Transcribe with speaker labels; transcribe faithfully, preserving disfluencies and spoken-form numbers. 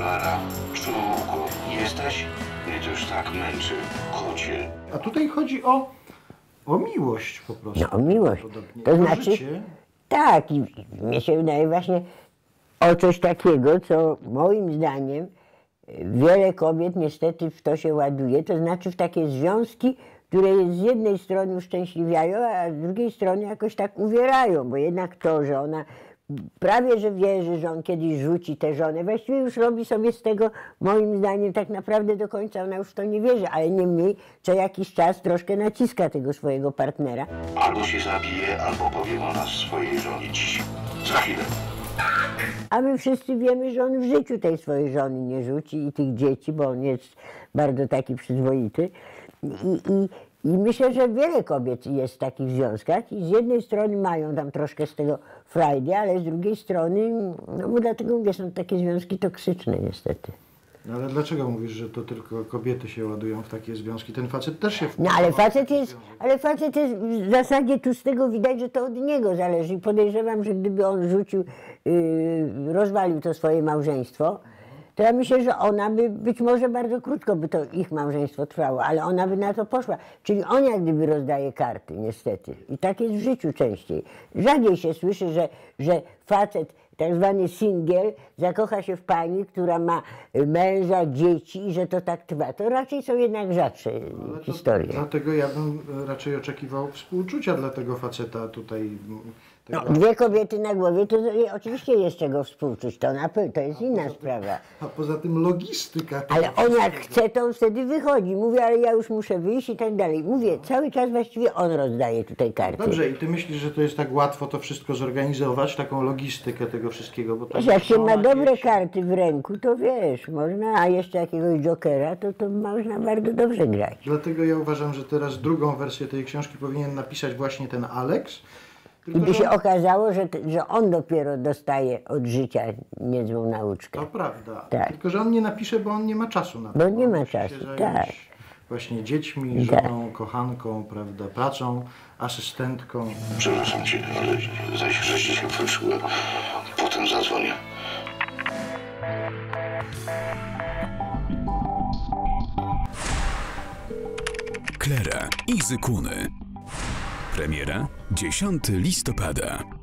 Speaker 1: Klara, człowieku, jesteś? Mnie to już tak męczy, kocie.
Speaker 2: A tutaj chodzi o, o miłość po prostu.
Speaker 3: No o miłość. To
Speaker 2: o
Speaker 3: znaczy,
Speaker 2: życie.
Speaker 3: tak, i mnie się wydaje właśnie o coś takiego, co moim zdaniem wiele kobiet niestety w to się ładuje, to znaczy w takie związki, które z jednej strony uszczęśliwiają, a z drugiej strony jakoś tak uwierają, bo jednak to, że ona prawie że wierzy, że on kiedyś rzuci tę żonę, właściwie już robi sobie z tego, moim zdaniem, tak naprawdę do końca ona już w to nie wierzy, ale niemniej co jakiś czas troszkę naciska tego swojego partnera.
Speaker 1: Albo się zabije, albo powiem o nas swojej żonie dziś. Za chwilę.
Speaker 3: A my wszyscy wiemy, że on w życiu tej swojej żony nie rzuci i tych dzieci, bo on jest bardzo taki przyzwoity. I, i, I myślę, że wiele kobiet jest w takich związkach i z jednej strony mają tam troszkę z tego frajdy, ale z drugiej strony, no bo dlatego mówię, są takie związki toksyczne niestety.
Speaker 2: No ale dlaczego mówisz, że to tylko kobiety się ładują w takie związki? Ten facet też się
Speaker 3: No ale facet jest, ale facet jest w zasadzie tu z tego widać, że to od niego zależy i podejrzewam, że gdyby on rzucił, yy, rozwalił to swoje małżeństwo, to ja myślę, że ona by, być może bardzo krótko by to ich małżeństwo trwało, ale ona by na to poszła. Czyli on jak gdyby rozdaje karty, niestety. I tak jest w życiu częściej. Rzadziej się słyszy, że, że facet, tak zwany singiel, zakocha się w pani, która ma męża, dzieci i że to tak trwa. To raczej są jednak rzadsze historie.
Speaker 2: Dlatego ja bym raczej oczekiwał współczucia dla tego faceta tutaj.
Speaker 3: No, dwie kobiety na głowie, to oczywiście jest czego współczuć, to, na, to jest inna sprawa.
Speaker 2: A poza tym logistyka.
Speaker 3: Ale on jak chce, to on wtedy wychodzi. Mówię, ale ja już muszę wyjść i tak dalej. Mówię, cały czas właściwie on rozdaje tutaj karty.
Speaker 2: Dobrze, i ty myślisz, że to jest tak łatwo to wszystko zorganizować, taką logistykę tego wszystkiego? Bo to
Speaker 3: Wiesz, jak się ma dobre
Speaker 2: dzieci.
Speaker 3: karty w ręku, to wiesz, można, a jeszcze jakiegoś jokera, to, to można bardzo dobrze grać.
Speaker 2: Dlatego ja uważam, że teraz drugą wersję tej książki powinien napisać właśnie ten Alex.
Speaker 3: I
Speaker 2: Tylko,
Speaker 3: by się
Speaker 2: że...
Speaker 3: okazało, że, że on dopiero dostaje od życia niezłą nauczkę.
Speaker 2: To prawda.
Speaker 3: Tak.
Speaker 2: Tylko, że on nie napisze, bo on nie ma czasu na to.
Speaker 3: Bo nie
Speaker 2: On
Speaker 3: ma
Speaker 2: musi
Speaker 3: czasu,
Speaker 2: się zająć
Speaker 3: tak.
Speaker 2: Właśnie dziećmi,
Speaker 3: Tak.
Speaker 2: żoną, kochanką, prawda, pracą, asystentką.
Speaker 1: Przepraszam cię, ale zaś wreszcie się wyszyłem. Potem zadzwonię.
Speaker 4: Klara i Zykuny. Premiera dziesiątego listopada.